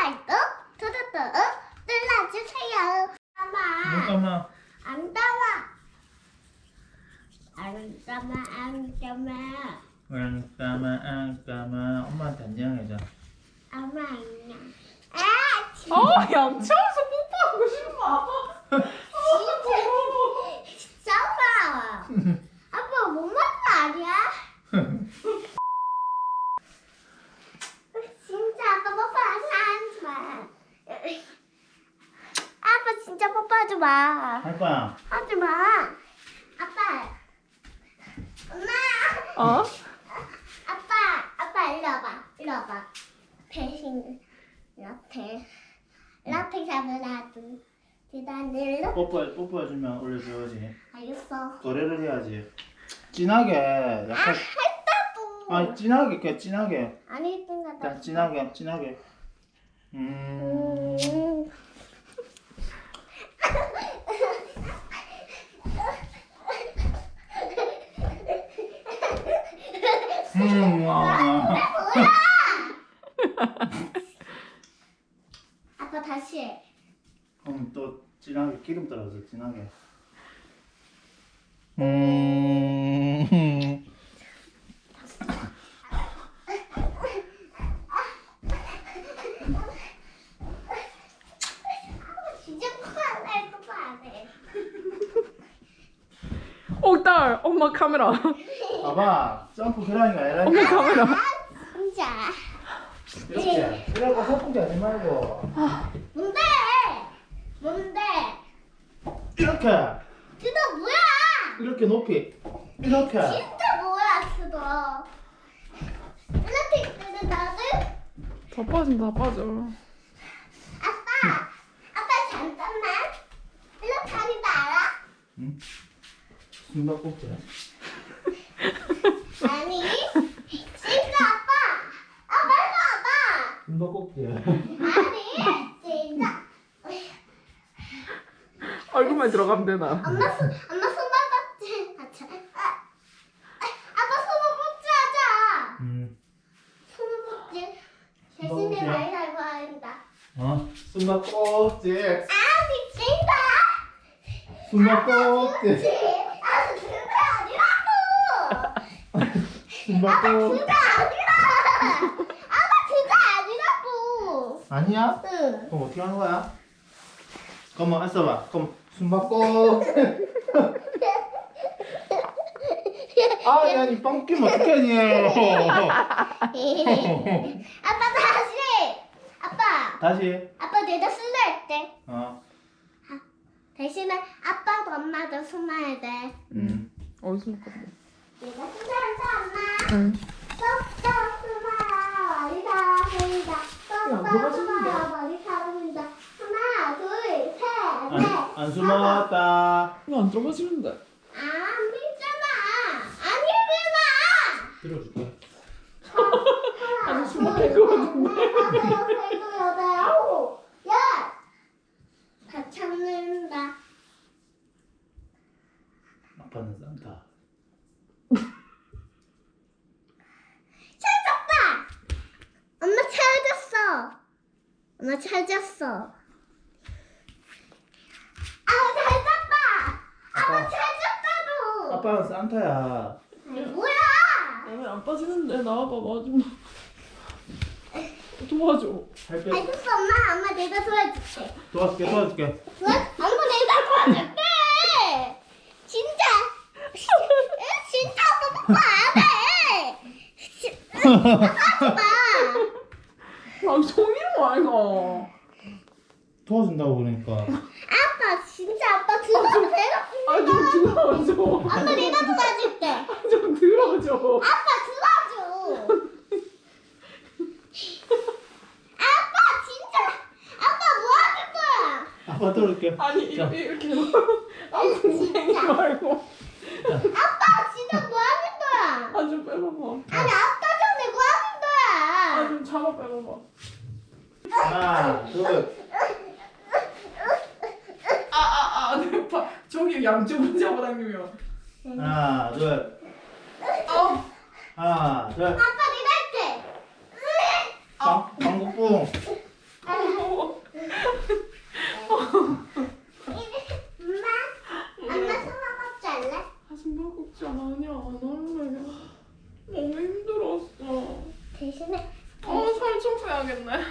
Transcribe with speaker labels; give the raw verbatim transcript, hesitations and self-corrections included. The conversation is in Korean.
Speaker 1: 좋아요, 구독도 눌러주세요. 엄마,
Speaker 2: 잠깐만.
Speaker 1: 안 따와. 안 따마, 안 따마.
Speaker 2: 안 까마 안 까마. 엄마한테 안녕해줘.
Speaker 1: 엄마 안녕. 아, 진짜.
Speaker 3: 어, 양치하면서 뽀뽀하고 싶나?
Speaker 1: 진짜. 진짜 아빠. 아빠 못 맞다 아니야? 진짜 아빠 뽀뽀 하지 마. 아빠 진짜 뽀뽀하지 마.
Speaker 2: 할 거야.
Speaker 1: 하지 마. 아빠. 엄마.
Speaker 3: 어?
Speaker 1: 아빠. 아빠 일로 와봐. 일로 와봐. 대신 라테. 라테 잡으라도. 계단을.
Speaker 2: 뽀뽀 뽀뽀해주면 올려줘야지.
Speaker 1: 알겠어.
Speaker 2: 거래를 해야지. 진하게
Speaker 1: 아,
Speaker 2: 약간.
Speaker 1: 했다고.
Speaker 2: 아 진하게 그 진하게.
Speaker 1: 아니 했던 거다.
Speaker 2: 자, 진하게 진하게. 음.
Speaker 1: 음.
Speaker 2: 음. 와.
Speaker 1: 아빠 다시 해.
Speaker 2: 그럼 또 진하게 기름 떨어져 진하게. 음.
Speaker 1: 진짜 코안 뽀뽀 안 해.
Speaker 3: 어, 딸, 엄마 카메라.
Speaker 2: 봐봐 점프 계란이가 아니라
Speaker 3: 엄마 카메라.
Speaker 1: 진짜.
Speaker 2: 이렇게. 그래갖고 허풍지 하지 말고
Speaker 1: 뭔데? 뭔데?
Speaker 2: 이렇게
Speaker 1: 그거 뭐야?
Speaker 2: 이렇게 높이 이렇게.
Speaker 1: 진짜 뭐야 그거? 이렇게 있거든 나도.
Speaker 3: 다 빠진다, 다 빠져.
Speaker 1: 아빠, 아빠 잠깐만. 이렇게 하는 거 알아?
Speaker 2: 응? 숨바꼭질.
Speaker 1: 아니, 진짜 아빠. 아 빨리 와봐.
Speaker 2: 숨바꼭질.
Speaker 1: 아니, 진짜.
Speaker 3: 얼굴만 들어가면 되나?
Speaker 1: 엄마 손, 엄마 손바닥질 하자. 아, 아, 아빠 손바닥질 하자.
Speaker 2: 음.
Speaker 1: 손바닥질. 대신에
Speaker 2: 손바닥질?
Speaker 1: 많이 달고 한다.
Speaker 2: 어? 숨바꼭질.
Speaker 1: 아, 미친다.
Speaker 2: 숨바꼭질.
Speaker 1: 아, 그게 아니라고. 아빠
Speaker 2: 숨바꼭질.
Speaker 1: 그게 아니라. 아빠 그게 아니라고.
Speaker 2: 아니야?
Speaker 1: 응.
Speaker 2: 그럼 어떻게 하는 거야? 그럼 했어봐. 그럼 숨바꼭질. 아, 야, 니 빵 끼면 어떡하니?
Speaker 1: 아빠 다시. 아빠.
Speaker 2: 다시.
Speaker 1: 아빠 내가 술래 할게.
Speaker 2: 어.
Speaker 1: 대신에 아빠도 엄마도 숨어야 돼.
Speaker 2: 음.
Speaker 3: 어디서 먹거든?
Speaker 1: 내가 숨어서 엄마.
Speaker 3: 응.
Speaker 1: 쏙쏙 숨어라. 머리 다 보인다.
Speaker 3: 야,
Speaker 1: 쏙쏙
Speaker 3: 누가 숨는데?
Speaker 1: 숨어라. 머리 다 보인다. 하나, 둘, 셋,
Speaker 2: 안,
Speaker 1: 넷.
Speaker 2: 안 숨었다.
Speaker 3: 이거 안 들어가지는데.
Speaker 1: 아, 안 믿잖아. 안 믿잖아.
Speaker 2: 들어줄게.
Speaker 3: 아니, 숨어 뺄것 같은데.
Speaker 1: 야! 다 참는다.
Speaker 2: 아빠는 산타.
Speaker 1: 찾았다! 엄마 찾았어. 엄마 찾았어. 아, 찾았다! 아빠 찾았다고!
Speaker 2: 아빠는 산타야.
Speaker 1: 아니, 뭐야!
Speaker 3: 왜 안 빠지는데? 나와봐, 마지막. 도와줘.
Speaker 2: 할게.
Speaker 1: 알겠어, 엄마. 엄마 내가 도와줄게.
Speaker 2: 도와줄게, 도와줄게.
Speaker 1: 도와? 엄마 내가 도와줄게! 진짜! 에, 진짜 아빠 뽀뽀 안 해! 지- 하지 마!
Speaker 3: 아, 송이로 와, 이거.
Speaker 2: 도와준다고 그러니까.
Speaker 1: 아빠 진짜 아빠 들어 배가
Speaker 3: 아, 좀 들어줘.
Speaker 1: 엄마 내가 도와줄게.
Speaker 3: 좀 들어줘.
Speaker 1: 아빠 들어줘. 아빠 진짜 아빠 뭐 하는 거야?
Speaker 2: 아빠 들어줄게.
Speaker 3: 아니,
Speaker 2: 자.
Speaker 3: 이렇게, 이렇게. 아, 궁뎅이 말고.
Speaker 1: 아빠 진짜 뭐 하는 거야?
Speaker 3: 아, 좀 빼봐봐.
Speaker 1: 아니 아빠 전에 뭐 하는
Speaker 3: 아,
Speaker 1: 거야?
Speaker 3: 좀 잡아 빼봐봐.
Speaker 2: 하나, 둘.
Speaker 3: 아, 아, 아, 내 파. 저기 양쪽으로 잡아당기면.
Speaker 2: 하나, 둘.
Speaker 3: 아,
Speaker 2: 하나, 둘.
Speaker 1: 아빠 내가 할게.
Speaker 2: 방, 방구뿡.
Speaker 1: 아니
Speaker 3: 하겠네.